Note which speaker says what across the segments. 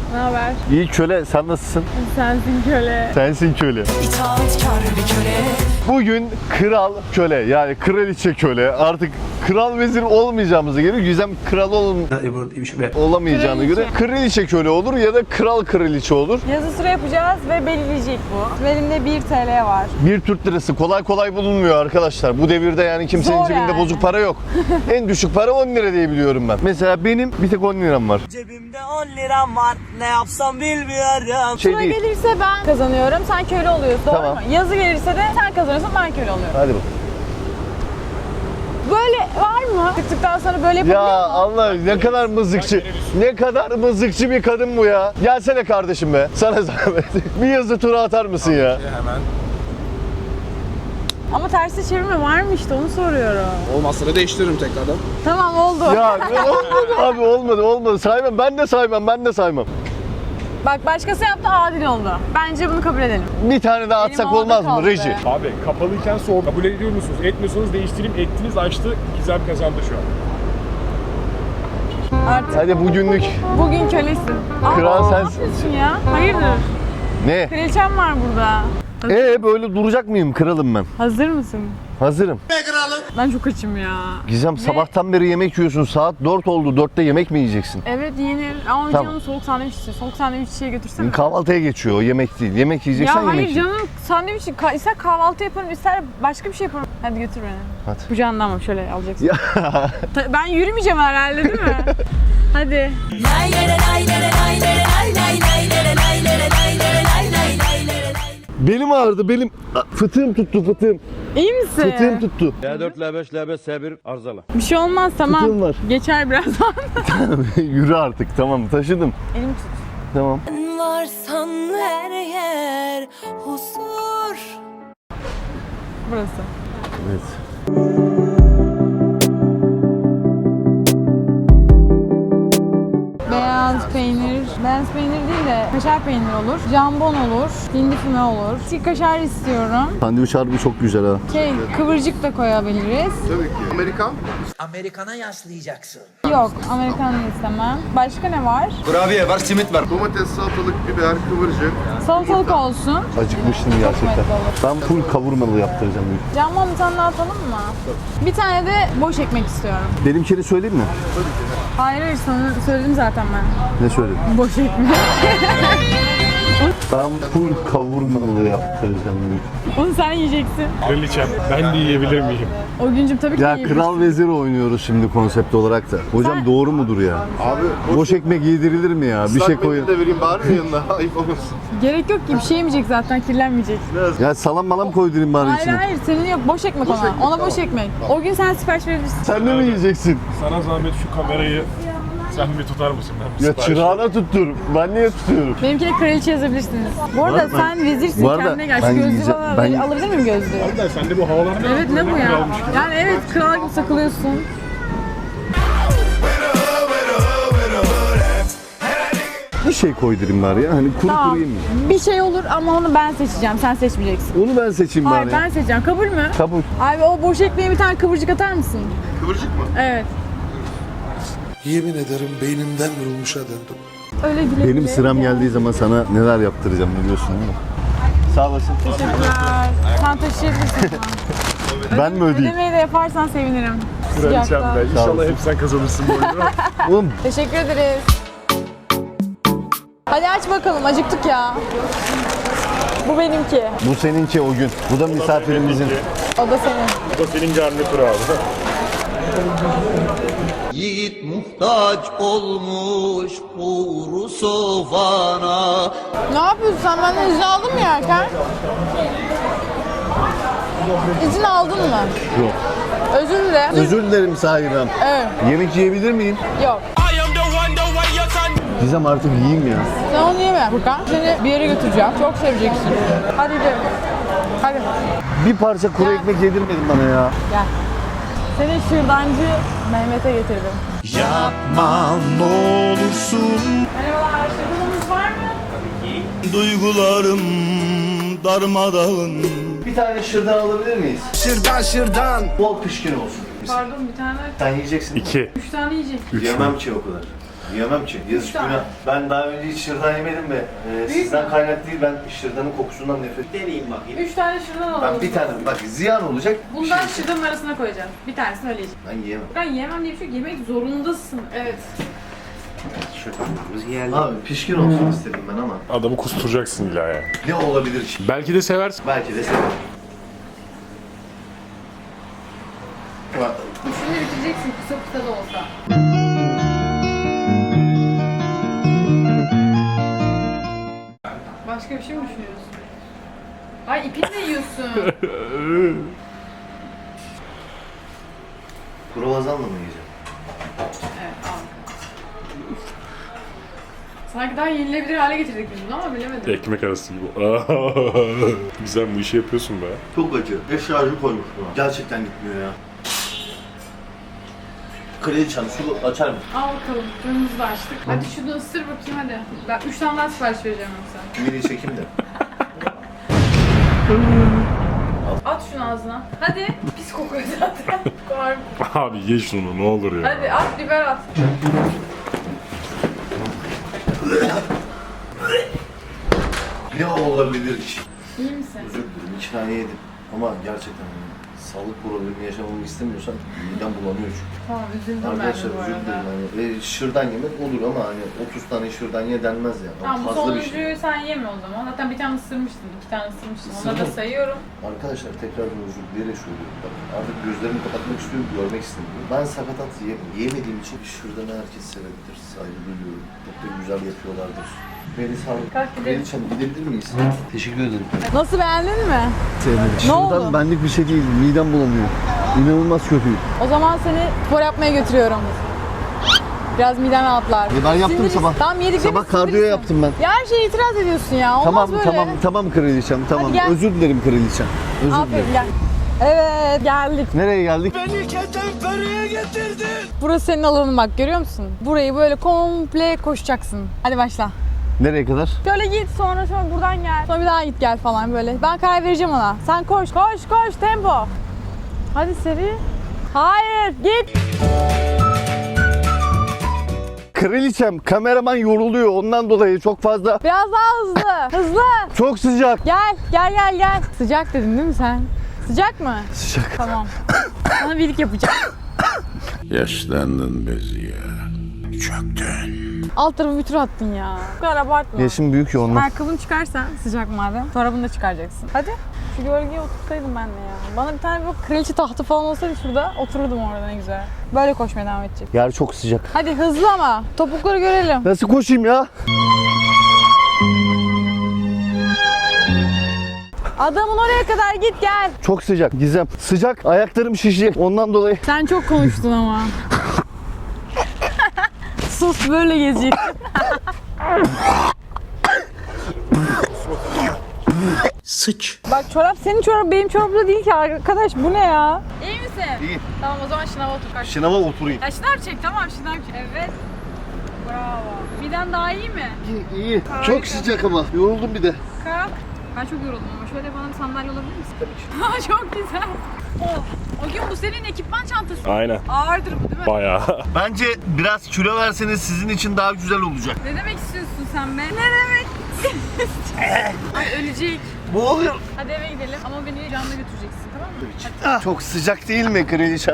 Speaker 1: Ne haber?
Speaker 2: İyi köle, sen nasılsın?
Speaker 1: Sensin köle.
Speaker 2: Sensin köle.
Speaker 3: İtaatkar bir köle.
Speaker 2: Bugün kral köle, yani kraliçe köle. Artık kral vezir olmayacağımıza göre Gizem kral olamayacağına göre kraliçe köle olur ya da kral kraliçe olur.
Speaker 1: Yazı sıra yapacağız ve belirleyecek bu. Elimde 1 TL var.
Speaker 2: Bir Türk lirası kolay kolay bulunmuyor arkadaşlar. Bu devirde yani kimsenin
Speaker 1: Zor
Speaker 2: cebinde
Speaker 1: yani.
Speaker 2: bozuk para yok. En düşük para 10 lira diye biliyorum ben. Mesela benim bir tek 10 liram var.
Speaker 3: Cebimde 10 liram var. Ne yapsam bilmiyorum.
Speaker 2: Şey
Speaker 1: Sıra
Speaker 2: değil.
Speaker 1: gelirse ben kazanıyorum, sen köle oluyorsun. Doğru
Speaker 2: Tamam.
Speaker 1: mu? Yazı gelirse de sen kazanıyorsun, ben köle oluyorum.
Speaker 2: Hadi bak.
Speaker 1: Böyle var mı? Tıktıktan sonra böyle
Speaker 2: Ya
Speaker 1: yapabiliyor musun?
Speaker 2: Allah, ne kadar mızıkçı. Ne kadar mızıkçı bir kadın bu ya. Gelsene kardeşim be. Sana zahmet. Bir yazı tura atar mısın ya?
Speaker 4: Hemen.
Speaker 1: Ama tersi çevirme var mı işte, onu soruyorum.
Speaker 4: Olmazsa da değiştiririm tekrardan.
Speaker 1: Tamam, oldu.
Speaker 2: Ya olmadı abi, olmadı. Saymam, ben de saymam.
Speaker 1: Bak, başkası yaptı, adil oldu. Bence bunu kabul edelim.
Speaker 2: Bir tane daha atsak
Speaker 1: Benim
Speaker 2: olmaz
Speaker 1: orada
Speaker 2: mı
Speaker 1: kaldı.
Speaker 2: reji?
Speaker 5: Abi kapalıyken soğuk. Kabul ediyor musunuz? Etmiyorsanız değiştireyim. Ettiniz, açtı. Gizem kazandı şu an.
Speaker 1: Artık
Speaker 2: Hadi bugünlük.
Speaker 1: bugün kölesin.
Speaker 2: Kral
Speaker 1: Ne
Speaker 2: sensin.
Speaker 1: yapıyorsun ya? Hayırdır?
Speaker 2: Ne?
Speaker 1: Kraliçem var burada.
Speaker 2: Böyle duracak mıyım? Kralım ben.
Speaker 1: Hazır mısın?
Speaker 2: Hazırım.
Speaker 1: Ben çok açım ya.
Speaker 2: Gizem, sabahtan beri yemek yiyorsun. Saat 4 oldu. 4'te yemek mi yiyeceksin?
Speaker 1: Evet, yenir. Ama
Speaker 2: Tamam.
Speaker 1: canım soğuk sandviç istiyor. Soğuk sandviççiye götürsene.
Speaker 2: Kahvaltıya geçiyor o, yemek değil. Yemek yiyeceksen
Speaker 1: Ya
Speaker 2: yemek
Speaker 1: hayır
Speaker 2: ye.
Speaker 1: canım, sandviç ister kahvaltı yaparım, ister başka bir şey yaparım. Hadi götür beni.
Speaker 2: Hadi.
Speaker 1: Kucağından ama şöyle alacaksın.
Speaker 2: Ya.
Speaker 1: Ben yürümeyeceğim herhalde, değil mi? Hadi.
Speaker 2: Belim ağrıdı, belim. Fıtığım tuttu, fıtığım.
Speaker 1: İyi misin?
Speaker 2: Fıtığım tuttu.
Speaker 6: L4, L5, L5, S1 arızalı.
Speaker 1: Bir şey olmaz, tamam.
Speaker 2: Fıtığım var.
Speaker 1: Geçer birazdan.
Speaker 2: Yürü artık, tamam, taşıdım.
Speaker 1: Elim tut.
Speaker 2: Tamam.
Speaker 3: Varsan her yer huzur.
Speaker 1: Burası.
Speaker 2: Evet.
Speaker 1: Beyaz peynir değil de kaşar peynir olur, jambon olur, hindi füme olur. Çiğ kaşar istiyorum.
Speaker 2: Sandviç harbi çok güzel ha.
Speaker 1: Kıvırcık da koyabiliriz.
Speaker 3: Amerikana yaslayacaksın.
Speaker 1: Yok, Amerikan da istemem. Başka ne var?
Speaker 6: Kurabiye var, simit var.
Speaker 7: Domates, salatalık, biber, kıvırcık.
Speaker 1: Salatalık olsun.
Speaker 2: Acıkmıştım gerçekten.
Speaker 1: Çok olur.
Speaker 2: Ben full kavurmalı yaptıracağım.
Speaker 1: Jambon bir tane daha atalım mı? Bir tane de boş ekmek istiyorum.
Speaker 2: Benimkini söyleyeyim mi?
Speaker 1: Hayır, sana söyledim zaten ben.
Speaker 2: Ne söyledin?
Speaker 1: Boş ekmek.
Speaker 2: Ben full kavurmalı yaptıracağım.
Speaker 1: Onu sen yiyeceksin.
Speaker 5: Kraliçem, ben de yiyebilir miyim?
Speaker 1: O güncüm tabii ki
Speaker 2: Ya
Speaker 1: yiyebilirsin.
Speaker 2: kral vezir oynuyoruz şimdi konsept olarak da. Hocam
Speaker 1: Sen-
Speaker 2: doğru mudur ya?
Speaker 7: Abi
Speaker 2: Boş ekmek yedirilir mi ya? Bir
Speaker 7: ıslak
Speaker 2: şey
Speaker 7: mendil
Speaker 2: koyun.
Speaker 7: de vereyim bari yanına. Ayıp olmasın.
Speaker 1: Gerek yok ki, bir şey yemeyecek zaten, kirlenmeyecek.
Speaker 2: Ya salam malam koydurayım bari
Speaker 1: Hayır
Speaker 2: içine.
Speaker 1: hayır, senin yok, boş ekmek ona.
Speaker 7: ekmek,
Speaker 1: Ona
Speaker 7: tamam.
Speaker 1: boş ekmek. O gün sen sipariş verebilirsin.
Speaker 2: Sen de mi yiyeceksin?
Speaker 5: Sana zahmet şu kamerayı sen bir tutar mısın? Ben bir
Speaker 2: Ya
Speaker 5: sipariş
Speaker 2: çırağına tuttur. Ben niye tutuyorum?
Speaker 1: Benimki de kraliçe yazabilirsiniz. Bu arada
Speaker 2: Var mı?
Speaker 1: sen vezirsin,
Speaker 2: Bu arada
Speaker 1: kendine gel. Şu
Speaker 2: ben
Speaker 1: gözlüğü
Speaker 2: yiyeceğim.
Speaker 1: bana
Speaker 2: Ben-
Speaker 1: alabilir miyim gözlüğü?
Speaker 5: Harbiden sen de bu havalarda
Speaker 1: Evet, ne bu ya? Yani evet, kral gibi sakılıyorsun.
Speaker 2: Bir şey koydurayım bari ya. Hani kuru
Speaker 1: Tamam.
Speaker 2: kuru yemeyeyim.
Speaker 1: Bir şey olur ama onu ben seçeceğim, sen seçmeyeceksin.
Speaker 2: Onu ben seçeyim
Speaker 1: Hayır,
Speaker 2: bari.
Speaker 1: ben seçeceğim. Kabul mü?
Speaker 2: Kabul.
Speaker 1: Abi o boş ekmeğe bir tane kıvırcık atar mısın?
Speaker 7: Kıvırcık mı?
Speaker 1: Evet.
Speaker 8: Yemin ederim beynimden vurulmuşa döndüm.
Speaker 1: Öyle güle
Speaker 2: Benim
Speaker 1: güle.
Speaker 2: sıram geldiği zaman sana neler yaptıracağım biliyorsun değil mi? Sağ olasın.
Speaker 1: Teşekkürler. Sen taşıyabilirsin.
Speaker 2: Ben mi ödeyeyim?
Speaker 1: Ödemeyi de yaparsan sevinirim.
Speaker 5: Kraliçem
Speaker 1: Sıcakta.
Speaker 5: be. İnşallah hep sen kazanırsın bu oyunu.
Speaker 2: Oğlum
Speaker 1: Teşekkür ederiz. Hadi aç bakalım, acıktık ya. Bu benimki.
Speaker 2: bu seninki o gün. Bu da misafirimizin.
Speaker 1: O da senin.
Speaker 5: Bu da senin garnitür abi.
Speaker 9: Yiğit muhtaç olmuş uğru sofana.
Speaker 1: Ne yapıyorsun sen? Benden izin aldın mı yerken? İzin aldın mı?
Speaker 2: Yok.
Speaker 1: Özür dilerim.
Speaker 2: Özür dilerim sahibim.
Speaker 1: Evet.
Speaker 2: Yemek yiyebilir miyim?
Speaker 1: Yok.
Speaker 2: Gizem artık yiyeyim ya.
Speaker 1: Sen onu yeme Furkan. Seni bir yere götüreceğim. Çok seveceksin. Hadi gidelim. Hadi.
Speaker 2: Bir parça kuru ekmek yedirmedin bana ya.
Speaker 1: Gel. Seni şırdancı Mehmet'e getirdim.
Speaker 9: Yapma ne olursun.
Speaker 1: Merhabalar, şırdanımız var mı?
Speaker 9: Duygularım darmadağın.
Speaker 2: Bir tane şırdan alabilir miyiz?
Speaker 8: Şırdan.
Speaker 2: Bol pişkin olsun.
Speaker 1: Pardon, bir tane.
Speaker 2: Sen yiyeceksin.
Speaker 5: 2.
Speaker 1: 3 tane yiyecek.
Speaker 2: Yemem ki o kadar. Yiyemem ki. Yazık günah. Ben daha önce hiç şırdan yemedim ve sizden kaynak değil, ben şırdanın kokusundan nefret.
Speaker 3: Deneyeyim bakayım.
Speaker 1: 3 tane şırdan alalım.
Speaker 2: Ben bir tane, bak ziyan olacak.
Speaker 1: Bundan şırdanın arasına koyacağım. Bir tanesini öyle yiyeceğim.
Speaker 2: Ben yiyemem.
Speaker 1: Ben yiyemem diye bir şey yok. Yemek zorundasın. Evet.
Speaker 3: Şırdanlarımız geldi.
Speaker 2: Abi pişkin olsun istedim ben ama.
Speaker 5: Adamı kusturacaksın illa ya.
Speaker 2: Ne olabilir ki?
Speaker 5: Belki de seversin.
Speaker 2: Belki de severim.
Speaker 1: Şunu bitireceksin kısa kısa da olsa. Başka bir şey mi düşünüyorsun? Ay ipini de yiyorsun.
Speaker 2: Kruvasanla mı yiyeceğim?
Speaker 1: Evet al. Sanki daha yenilebilir hale getirdik biz bunu ama bilemedim.
Speaker 5: Ekmek arası gibi. Güzel bu işi yapıyorsun be.
Speaker 2: Çok acı. Eşyacı koymuş buna. Gerçekten gitmiyor ya. Kraliçem su açar mı?
Speaker 1: Al bakalım. Canımızı da açtık. Hadi şunu ısır bakayım hadi. Ben 3 tane daha sipariş vereceğim yoksa.
Speaker 2: Mini çekim de.
Speaker 1: At şunu ağzına. Hadi. Pis kokuyor zaten. Var.
Speaker 5: Abi ye şunu ne olur ya.
Speaker 1: Hadi at biber at.
Speaker 2: Ne olabilir ki?
Speaker 1: İyi misin?
Speaker 2: Özür dilerim, 2 tane yedim. Ama gerçekten sağlık problemi yaşamamı istemiyorsan midem bulanıyor çünkü.
Speaker 1: Tamam üzüldüm ben de
Speaker 2: Arkadaşlar
Speaker 1: bu
Speaker 2: özür
Speaker 1: arada.
Speaker 2: dilerim. Hani, şırdan yemek olur ama hani 30 tane şırdan ye denmez ya.
Speaker 1: Tamam bu
Speaker 2: Fazla bir şey.
Speaker 1: sonuncuyu sen yeme o zaman. Zaten bir tane ısırmıştın, 2 tane ısırmıştın. Onları da
Speaker 2: Isırdım.
Speaker 1: sayıyorum.
Speaker 2: Arkadaşlar tekrar özür dileyerek söylüyorum. Bak, artık gözlerimi kapatmak istiyorum, görmek istemiyorum. Ben sakatat yemediğim için şırdanı herkes sevebilir. Saygı duyuyorum. Çok da güzel yapıyorlardır. Beni sağlık.
Speaker 1: Kalk gidelim.
Speaker 2: Kraliçem gidebilir miyiz? Teşekkür ederim.
Speaker 1: Nasıl beğendin mi?
Speaker 2: Sevmedim.
Speaker 1: oldu?
Speaker 2: Şırdan benlik bir şey değil. Midem bulanıyor. İnanılmaz kötü.
Speaker 1: O zaman seni spor yapmaya götürüyorum. Biraz miden rahatlar.
Speaker 2: Ben yaptım
Speaker 1: Sindirirsin.
Speaker 2: sabah.
Speaker 1: Tamam yediklerini
Speaker 2: Sabah kardiyo
Speaker 1: sindirirsin.
Speaker 2: yaptım ben.
Speaker 1: Ya her şeye itiraz ediyorsun ya. Olmaz böyle.
Speaker 2: Tamam kraliçem, tamam.
Speaker 1: Hadi gel.
Speaker 2: Özür dilerim kraliçem. Özür
Speaker 1: Aferin
Speaker 2: dilerim.
Speaker 1: gel. Evet geldik.
Speaker 2: Nereye geldik?
Speaker 1: Burası senin alanın bak görüyor musun? Burayı böyle komple koşacaksın. Hadi başla.
Speaker 2: Nereye kadar?
Speaker 1: Şöyle git sonra buradan gel. Sonra bir daha git gel falan böyle. Ben karar vereceğim ona. Sen koş tempo. Hadi seri. Hayır git.
Speaker 2: Kraliçem, kameraman yoruluyor. Ondan dolayı çok fazla.
Speaker 1: Biraz daha hızlı. Hızlı.
Speaker 2: Çok sıcak.
Speaker 1: Gel. Sıcak dedin değil mi sen? Sıcak mı?
Speaker 2: Sıcak.
Speaker 1: Tamam. Sana birlik yapacağım.
Speaker 8: Yaşlandın Beziye. Çöktün.
Speaker 1: Alt tarafı bir tur attın ya. Bu kadar abartma.
Speaker 2: Yaşım büyük ya ondan.
Speaker 1: Ayakkabını çıkarsan sıcak madem. Çorabını da çıkaracaksın. Hadi. Şu gölgeye otursaydım ben de ya. Bana bir tane bir kraliçe tahtı falan olsaydı şurada otururdum orada ne güzel. Böyle koşmaya devam edecek.
Speaker 2: Yer çok sıcak.
Speaker 1: Hadi hızlı ama. Topukları görelim.
Speaker 2: Nasıl koşayım ya?
Speaker 1: Adamın oraya kadar git gel.
Speaker 2: Çok sıcak. Gizem. Sıcak. Ayaklarım şişecek. Ondan dolayı.
Speaker 1: Sen çok konuştun ama. Sus böyle gezecek.
Speaker 9: Sıç.
Speaker 1: Bak çorap senin çorap benim çorabım da değil ki arkadaş bu ne ya? İyi misin?
Speaker 2: İyiyim.
Speaker 1: Tamam o zaman şınava otur kaç.
Speaker 2: Şınava oturayım.
Speaker 1: Ya şınav çek tamam şınav çek. Evet. Bravo. Miden daha iyi mi?
Speaker 2: İyi. Çok sıcak ama. Yoruldum bir de.
Speaker 1: Kalk. Ben çok yoruldum ama şöyle bana bir sandalye olabilir misin? Tabii ki. Çok güzel. O gün bu senin ekipman çantası.
Speaker 5: Aynen.
Speaker 1: Ağırdır bu değil mi?
Speaker 5: Bayağı.
Speaker 2: Bence biraz kilo verseniz sizin için daha güzel olacak.
Speaker 1: Ne demek istiyorsun sen be? Ne demek? Ay ölecek.
Speaker 2: Bu oluyor.
Speaker 1: Hadi eve gidelim ama beni canlı götüreceksin tamam mı?
Speaker 2: Çok sıcak değil mi kraliçem?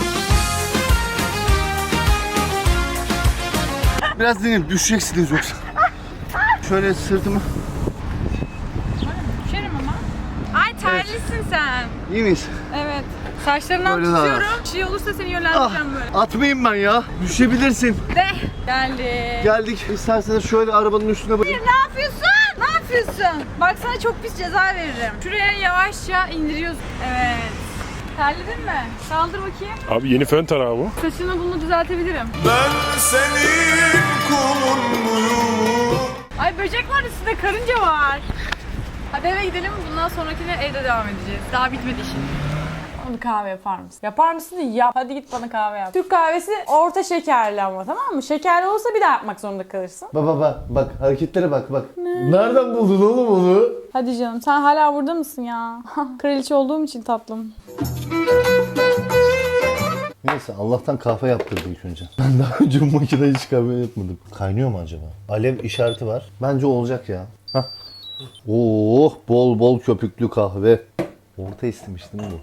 Speaker 2: Biraz dinleyin. Düşeceksiniz yoksa. Şöyle sırtımı.
Speaker 1: Düşerim ama. Ay terlisin sen.
Speaker 2: İyi miyiz?
Speaker 1: Evet. Saçlarından
Speaker 2: Böyle daha
Speaker 1: tutuyorum. Bir şey olursa seni yönlendireceğim böyle.
Speaker 2: Atmayayım ben ya. Düşebilirsin.
Speaker 1: De. Geldi.
Speaker 2: Geldik. İsterseniz şöyle arabanın üstüne bırakın.
Speaker 1: Ne yapıyorsun? Ne yapıyorsun? Bak sana çok pis ceza veririm. Şuraya yavaşça indiriyorsun. Evet. Terledin mi? Kaldır bakayım.
Speaker 5: Abi yeni fön tarağı bu.
Speaker 1: Saçını bunu düzeltebilirim.
Speaker 9: Ben senin kulun muyum?
Speaker 1: Ay böcek var üstünde karınca var. Hadi eve gidelim. Bundan sonrakine evde devam edeceğiz. Daha bitmedi işin. Bana kahve yapar mısın? Yapar mısın? Yap. Hadi git bana kahve yap. Türk kahvesi orta şekerli ama tamam mı? Şekerli olsa bir daha yapmak zorunda kalırsın.
Speaker 2: Bak hareketlere bak. Nereden buldun oğlum onu?
Speaker 1: Hadi canım sen hala burada mısın ya? Kraliçe olduğum için tatlım.
Speaker 2: Neyse Allah'tan kahve yaptırdı ilk önce. Ben daha önce bu makinede hiç kahve yapmadım. Kaynıyor mu acaba? Alev işareti var. Bence olacak ya. Hah. Oh, bol bol köpüklü kahve. Orta istemiştim bu.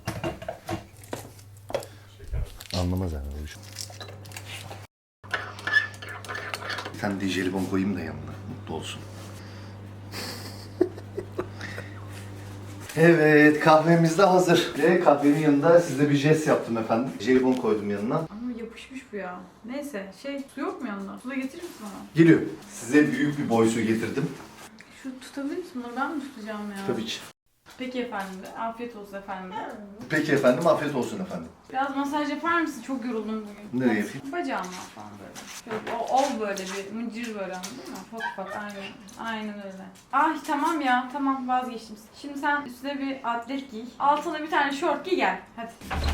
Speaker 2: Anlamaz yani. Bir tane de jelibon koyayım da yanına. Mutlu olsun. Evet, kahvemiz de hazır. Ve kahvenin yanında size bir jest yaptım efendim. Jelibon koydum yanına.
Speaker 1: Ama yapışmış bu ya. Neyse su yok mu yanında? Su da getirir misin bana?
Speaker 2: Geliyor. Size büyük bir boy su getirdim.
Speaker 1: Şu tutabilir misin bunu? Ben mi tutacağım ya?
Speaker 2: Tabii ki.
Speaker 1: Peki efendim de. Afiyet olsun efendim de.
Speaker 2: Peki efendim, afiyet olsun efendim.
Speaker 1: Biraz masaj yapar mısın? Çok yoruldum bugün.
Speaker 2: Nereye yapayım?
Speaker 1: Bacağıma falan böyle. Şöyle ol böyle bir mıncır böyle anladın mı? Ufak aynen öyle. Ah tamam ya tamam vazgeçtim. Şimdi sen üstüne bir atlet giy. Altına bir tane şort giy gel. Hadi.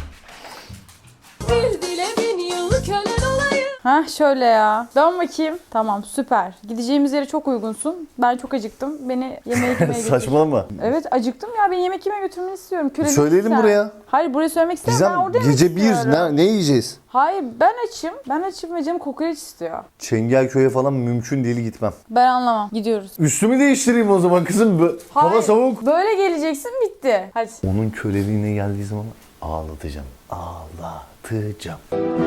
Speaker 10: Bir dile 1000 yıl kölen olayım.
Speaker 1: Hah şöyle ya. Dön bakayım. Tamam süper. Gideceğimiz yere çok uygunsun. Ben çok acıktım. Beni yemeğe götür.
Speaker 2: Saçmalama.
Speaker 1: Evet acıktım ya. Beni yemek yemeye götürmeni istiyorum. Kölelik
Speaker 2: Söyleyelim
Speaker 1: sen.
Speaker 2: buraya.
Speaker 1: Hayır buraya söylemek istemiyorum. Ben orada yemek
Speaker 2: Gizem gece
Speaker 1: istiyorum.
Speaker 2: ne yiyeceğiz?
Speaker 1: Hayır ben açım. Ben açım ve canım kokoreç istiyor.
Speaker 2: Çengelköy'e falan mümkün değil gitmem.
Speaker 1: Ben anlamam. Gidiyoruz.
Speaker 2: Üstümü değiştireyim o zaman kızım. Hava
Speaker 1: Hayır,
Speaker 2: soğuk.
Speaker 1: Böyle geleceksin bitti. Hadi.
Speaker 2: Onun köleliğine geldiği zaman ağlatacağım. Ağlatacağım.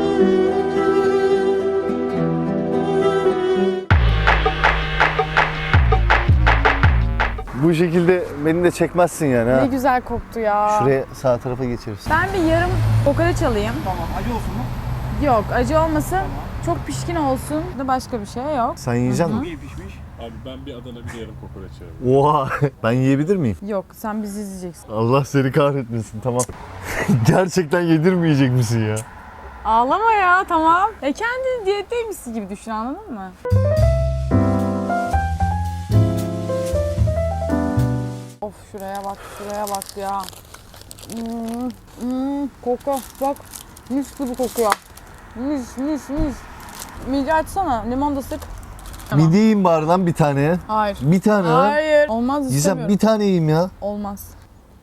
Speaker 2: Bu şekilde beni de çekmezsin yani ha.
Speaker 1: Ne güzel koktu ya.
Speaker 2: Şuraya sağ tarafa geçeriz.
Speaker 1: Ben bir yarım kokoreç alayım. Tamam. Acı olsun mu? Yok acı olmasın. Çok pişkin olsun. Da başka bir şey yok.
Speaker 2: Sen yiyecek misin?
Speaker 5: İyi pişmiş. Abi ben bir Adana bir yarım kokoreç yerim.
Speaker 2: Oha! Ben yiyebilir miyim?
Speaker 1: Yok sen bizi izleyeceksin.
Speaker 2: Allah seni kahretmesin, tamam. Gerçekten yedirmeyecek misin ya?
Speaker 1: Ağlama ya tamam. Kendi diyetteymişsin gibi düşün anladın mı? Of şuraya bak ya. Koku bak. Mis gibi kokuyor. Mis. Mide açsana. Limon da sık. Tamam.
Speaker 2: Midye yiyeyim bari lan bir tane.
Speaker 1: Hayır.
Speaker 2: Bir tane ha.
Speaker 1: Hayır. Olmaz
Speaker 2: Gizem
Speaker 1: istemiyorum.
Speaker 2: bir tane yiyeyim ya.
Speaker 1: Olmaz.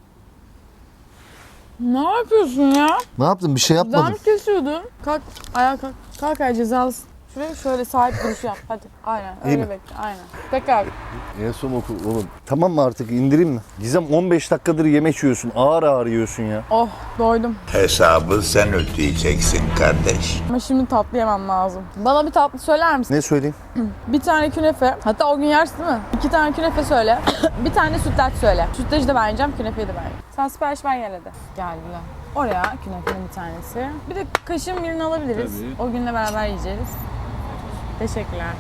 Speaker 1: Ne yapıyorsun ya?
Speaker 2: Ne yaptın? Bir şey yapmadım.
Speaker 1: Dudağımı kesiyordun. Kalk, ayağa kalk. Kalk ayağa cezalısın. Şuraya şöyle sahip duruş yap. Hadi. Aynen.
Speaker 2: İyi
Speaker 1: Öyle
Speaker 2: mi?
Speaker 1: bekle. Aynen. Tekrar.
Speaker 2: En son oku oğlum. Tamam mı artık indireyim mi? Gizem 15 dakikadır yemek yiyorsun. Ağır ağır yiyorsun ya.
Speaker 1: Oh doydum.
Speaker 8: Hesabı sen ödeyeceksin kardeş.
Speaker 1: Ama şimdi tatlı yemem lazım. Bana bir tatlı söyler misin?
Speaker 2: Ne söyleyeyim?
Speaker 1: Bir tane künefe. Hatta o gün yersin değil mi? 2 tane künefe söyle. Bir tane sütlaç söyle. Sütlacı da ben yiyeceğim, künefeyi de ben yiyeceğim. Sen sipariş ver gel hadi. Geldiler. Oraya künefenin bir tanesi. Bir de kaşığın birini alabiliriz.
Speaker 5: Tabii.
Speaker 1: O günle beraber yiyeceğiz. Teşekkürler.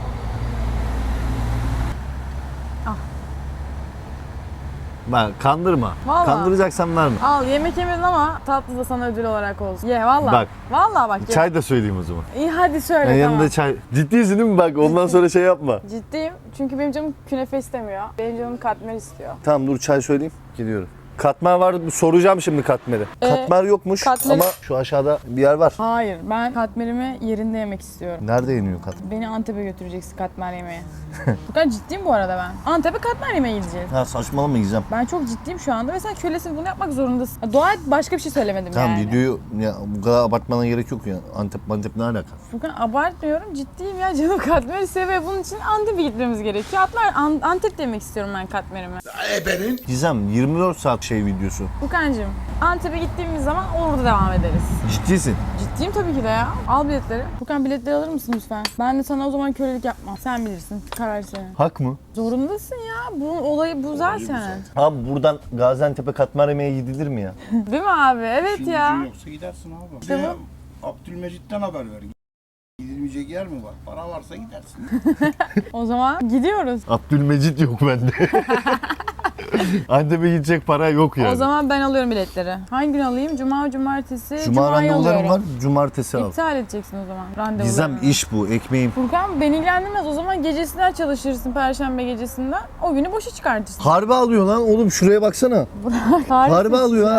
Speaker 2: Ben kandırma.
Speaker 1: Vallahi.
Speaker 2: Kandıracaksan verme.
Speaker 1: Al yemek yemedin ama tatlı da sana ödül olarak olsun. Ye valla.
Speaker 2: Bak.
Speaker 1: Valla bak ye.
Speaker 2: Çay da söyleyeyim o zaman.
Speaker 1: İyi hadi söyle
Speaker 2: Yani
Speaker 1: tamam.
Speaker 2: yanında çay. Ciddisin değil mi bak? Ondan sonra şey yapma.
Speaker 1: Ciddiyim çünkü benim canım künefe istemiyor. Benim canım katmer istiyor.
Speaker 2: Tamam dur çay söyleyeyim. Gidiyorum. Katmer var. Soracağım şimdi katmeri. Katmer yokmuş
Speaker 1: katmeri-
Speaker 2: ama şu aşağıda bir yer var.
Speaker 1: Hayır ben katmerimi yerinde yemek istiyorum.
Speaker 2: Nerede yeniyor katmer?
Speaker 1: Beni Antep'e götüreceksin katmer yemeğe. Bu kadar ciddiyim bu arada ben. Antep'e katmer yemeğe gideceğiz.
Speaker 2: Ha saçmalama Gizem.
Speaker 1: Ben çok ciddiyim şu anda ve sen kölesin bunu yapmak zorundasın. Ya, dua et başka bir şey söylemedim
Speaker 2: Tamam
Speaker 1: yani.
Speaker 2: videoyu ya, bu kadar abartmana gerek yok ya. Antep ne alaka?
Speaker 1: Furkan abartmıyorum ciddiyim ya canım katmeri seviyor. Bunun için Antep'e gitmemiz gerekiyor. Antep'te yemek istiyorum ben katmerimi.
Speaker 2: Gizem 24 saat şey videosu.
Speaker 1: Furkancığım Antep'e gittiğimiz zaman orada devam ederiz.
Speaker 2: Ciddisin.
Speaker 1: Ciddiyim tabii ki de ya. Al biletleri. Furkan biletleri alır mısın lütfen? Ben de sana o zaman kölelik yapmam. Sen bilirsin. Karar senin.
Speaker 2: Hak mı?
Speaker 1: Zorundasın ya. Bunun olayı bu zaten.
Speaker 2: Abi buradan Gaziantep'e katmer yemeğe gidilir mi ya?
Speaker 1: Değil mi abi? Evet ya.
Speaker 9: Yoksa gidersin abi.
Speaker 1: İşte
Speaker 9: Abdülmecit'ten haber ver. Gidilmeyecek yer mi var? Para varsa gidersin.
Speaker 1: O zaman gidiyoruz.
Speaker 2: Abdülmecit yok bende. Antep'e gidecek para yok yani.
Speaker 1: O zaman ben alıyorum biletleri. Hangi gün alayım? Cuma, cumartesi.
Speaker 2: Cuma
Speaker 1: Cuma'yı
Speaker 2: randevularım var.
Speaker 1: alıyorum.
Speaker 2: Cumartesi al.
Speaker 1: İptal edeceksin o zaman randevularını.
Speaker 2: Gizem iş bu. Ekmeğim.
Speaker 1: Furkan beni ilgilendirmez. O zaman gecesinden çalışırsın Perşembe gecesinden. O günü boşa çıkartırsın.
Speaker 2: Harbi alıyor lan oğlum şuraya baksana. Harbi alıyor ha.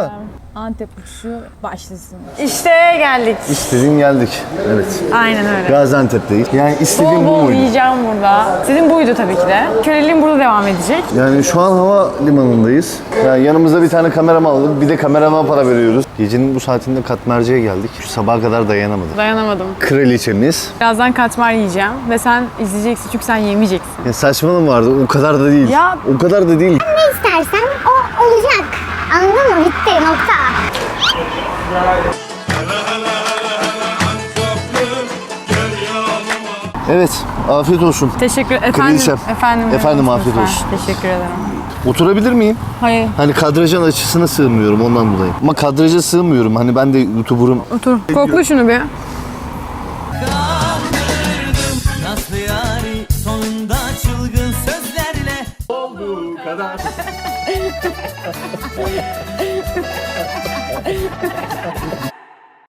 Speaker 1: Antep uçuşu başlasın. İşte geldik.
Speaker 2: İstediğin geldik. Evet.
Speaker 1: Aynen öyle.
Speaker 2: Gaziantep'teyiz. Yani istediğim bu
Speaker 1: Bol bol
Speaker 2: muydu?
Speaker 1: yiyeceğim burada. Sizin buydu tabii ki de. Köleliğim burada devam edecek.
Speaker 2: Yani şu an hava limanındayız. Yani yanımıza bir tane kameraman aldık. Bir de kameramana para veriyoruz. Gecenin bu saatinde katmerciye geldik. Şu sabaha kadar dayanamadım.
Speaker 1: Dayanamadım.
Speaker 2: Kraliçemiz.
Speaker 1: Birazdan katmer yiyeceğim ve sen izleyeceksin çünkü sen yemeyeceksin.
Speaker 2: Ya saçmalama vardı. O kadar da değil.
Speaker 1: Ya-
Speaker 2: O kadar da değil.
Speaker 11: İstersen o olacak. Anladın mı? Bitti. Nokta.
Speaker 2: Evet. Afiyet olsun.
Speaker 1: Teşekkür efendim.
Speaker 2: Kraliçem.
Speaker 1: Efendim.
Speaker 2: Efendim,
Speaker 1: evet,
Speaker 2: afiyet
Speaker 1: lütfen.
Speaker 2: olsun.
Speaker 1: Teşekkür ederim.
Speaker 2: Oturabilir miyim?
Speaker 1: Hayır.
Speaker 2: Hani kadrajın açısına sığmıyorum ondan dolayı. Ama kadraja sığmıyorum. Hani ben de YouTuber'ım.
Speaker 1: Otur. Kokla şunu bir.
Speaker 3: Nasıl yari sonunda çılgın sözlerle